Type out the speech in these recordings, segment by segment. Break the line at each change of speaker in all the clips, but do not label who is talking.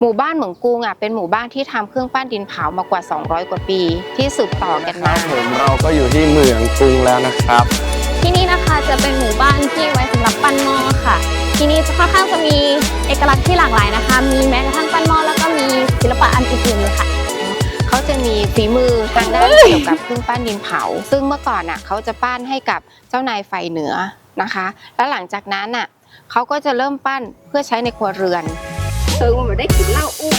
หมู่บ้านเหมืองกุงเป็นหมู่บ้านที่ทำเครื่องปั้นดินเผามากว่า200กว่าปีที่สืบต่อกันมา
เราก็อยู่ที่เหมืองกุงแล้วนะครับ
ที่นี่นะคะจะเป็นหมู่บ้านที่ไว้สำหรับปั้นหม้อค่ะที่นี่ค่อนข้างจะมีเอกลักษณ์ที่หลากหลายนะคะมีแม้กระทั่งปั้นหม้อแล้วก็มีศิลปะอันอื่นๆเลยค่ะ
เขาจะมีฝีมือทางด้านเกี่ยวกับเครื่องปั้นดินเผาซึ่งเมื่อก่อนเขาจะปั้นให้กับเจ้านายฝ่ายเหนือนะคะแล้วหลังจากนั้นเขาก็จะเริ่มปั้นเพื่อใช้ในครัวเรือนมันได้กินเหล้าอู้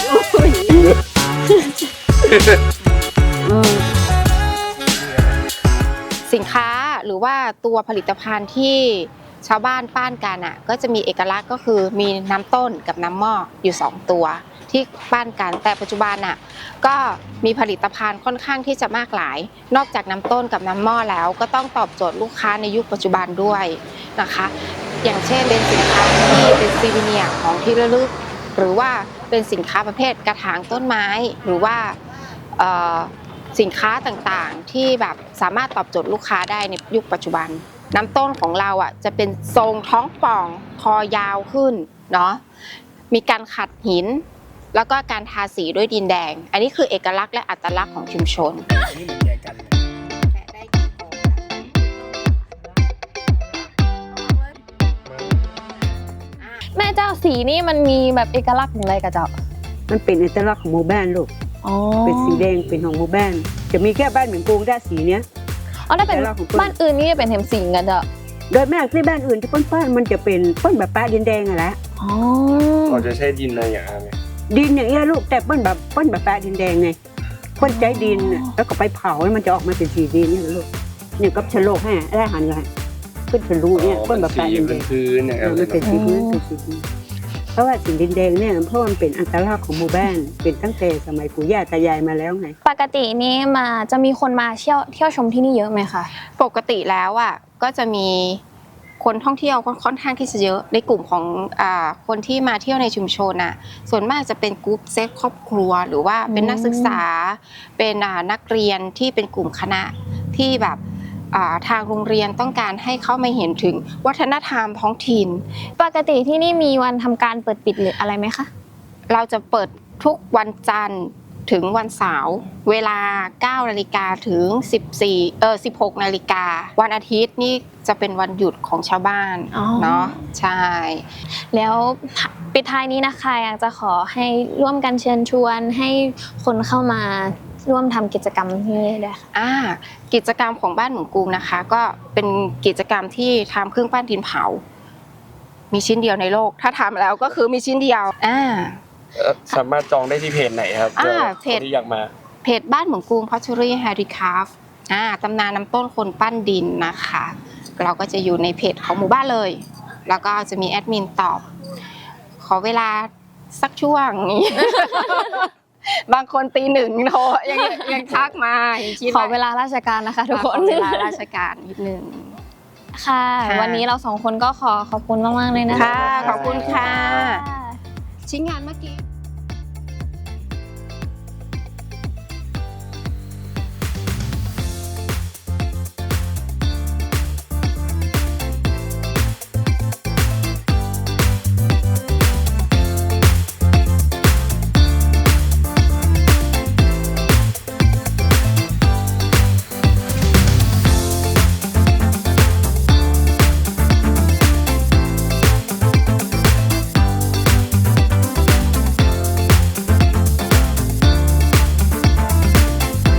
สินค้าหรือว่าตัวผลิตภัณฑ์ที่ชาวบ้านปั้นกันก็จะมีเอกลักษณ์ก็คือมีน้ำต้นกับน้ำหม้ออยู่2ตัวที่ปั้นกันแต่ปัจจุบันก็มีผลิตภัณฑ์ค่อนข้างที่จะมากหลายนอกจากน้ำต้นกับน้ำหม้อแล้วก็ต้องตอบโจทย์ลูกค้าในยุคปัจจุบันด้วยนะคะอย่างเช่นเป็นสินค้าที่เป็นซีวิเนียร์ของที่ระลึกหรือว่าเป็นสินค้าประเภทกระถางต้นไม้หรือว่าสินค้าต่างๆที่แบบสามารถตอบโจทย์ลูกค้าได้ในยุคปัจจุบันน้ำต้นของเราจะเป็นทรงท้องป่องคอยาวขึ้นเนาะมีการขัดหินแล้วก็การทาสีด้วยดินแดงอันนี้คือเอกลักษณ์และอัตลักษณ์ของชุมชน
แม่เจ้าสีนี่มันมีแบบเอกลักษณ์อย่างไรกับเจ้า
มันเป็นเอกลักษณ์ของหมู่บ้านลูกเป็นสีแดงเป็นของหมู่บ้านจะมีแค่บ้านเหมือนกรุงได้สีเนี้ย
ถ้าเป็นบ้านอื่นนี่จะเป็นเห็มสิงกันเจ้า
โดยมากที่บ้านอื่นที่ป้นมันจะเป็นป้นแบบป้าดินแดงอะแหละ
เราจะใช้ดินอะไรอย่างไร
ดินอย่างเงี้ยลูกแต่ป้นแบบป้าดินแดงไงป้นใจดินแล้วก็ไปเผาให้มันจะออกมาเป็นสีดินเนี่ยลูกเนี่ยกับชะโลกให้ได้หันกันขึ้นเป็นรูเนี่ยป้นแบบป้าดินแดง
พื้นเนี่ย
มันเป็นสีพื้นเป็นสีดินเพราะว่าสีดินแดงเนี่ยเพราะมันเป็นอัตลักษณ์ของหมู่บ้านเป็นตั้งแต่สมัยปู่ย่าตายายมาแล้วไง
ปกตินี้จะมีคนมาเที่ยวชมที่นี่เยอะไหมคะ
ปกติแล้วก็จะมีคนท่องเที่ยวค่อนข้างที่จะเยอะในกลุ่มของคนที่มาเที่ยวในชุมชนส่วนมากจะเป็นกรุ๊ปเซตครอบครัวหรือว่าเป็นนักศึกษาเป็นนักเรียนที่เป็นกลุ่มคณะที่แบบทางโรงเรียนต้องการให้เข้ามาเห็นถึงวัฒนธรรมท้องถิ่น
ปกติที่นี่มีวันทำการเปิดปิดหรืออะไรไหมคะ
เราจะเปิดทุกวันจันทร์ถึงวันเสาร์เวลา 9 นาฬิกาถึง16 นาฬิกาวันอาทิตย์นี่จะเป็นวันหยุดของชาวบ้านเนาะใช่
แล้วปิดท้ายนี้นะคะอยากจะขอให้ร่วมกันเชิญชวนให้คนเข้ามาร่วมทำกิจกรรมที่นี่ด้วยค่ะ
กิจกรรมของบ้านเหมืองกุงนะคะก็เป็นกิจกรรมที่ทำเครื่องปั้นดินเผามีชิ้นเดียวในโลกถ้าทำแล้วก็คือมีชิ้นเดียว
สามารถจองได้ที่เพจไหนครับ
เพจ
ที่อยากมา
เพจบ้านเหมืองกุง Pottery Handicraft ตำนานน้ำต้นคนปั้นดินนะคะเราก็จะอยู่ในเพจของหมู่บ้านเลยแล้วก็จะมีแอดมินตอบขอเวลาสักช่วงนี้บางคนตีหนึ่งโทรยังทักมา
ขอเวลาราชการนะคะทุกคน
เวลาราชการนิดนึง
ค่ะวันนี้เรา2คนก็ขอบคุณมากๆเลยนะคะ
ขอบคุณค่ะชิ้นงานเมื่อกี้